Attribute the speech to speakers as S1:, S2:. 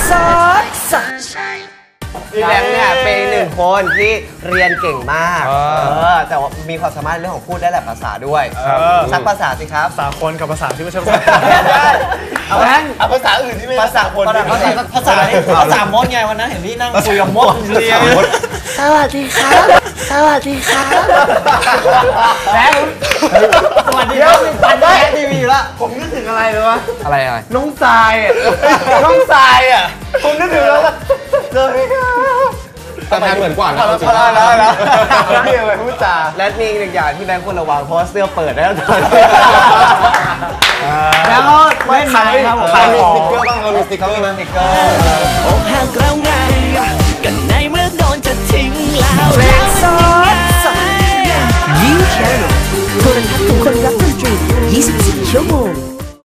S1: พี่แบงค์เนี่ยเป็นหนึ่งคนที่เรียนเก่งมากแต่ว่ามีความสามารถเรื่องของพูดได้หลายภาษาด้วยสักภาษาสิครับ
S2: ภาษาคนกับภาษาที่ไม่ใช่ภาษา
S1: เอาแบงค์
S3: ภาษาอื่นที่ไม่
S1: ภาษาคน
S3: ภาษามดไงวันนั้นเห็นพี่นั่งคุยกับมดเรียน
S1: สวัสดีครับสวัสดีครับแบงค์สวัสดีครับปั่นได้ทีวีละ
S3: ผมนึกถึงอะไรเลยวะ
S1: อะไร
S3: น้องทรายน้องทรายอ่ะผมนึกถึงแล้วเลย
S2: แต่ทานเหมือนกว่านะ
S3: แล้วพี่อะไรพูดจา
S1: และมีอีกหนึ่งอย่างที่แบงค์ควรระวังเพราะเสื้อเปิดได้ตอนนี้แล้วก็ไม่ขายครับผม
S2: มีสติ๊กเกอร์บ้างเรามีสติ๊กเกอร์ไหม
S1: สติ๊กเกอร์
S4: อกหักแล้วไงกันในเมื่อโดนจะทิ้งแล้ว
S5: ยิ้มแชร์โทรทัศน์ของคนรักดนตรี24 ชั่วโมง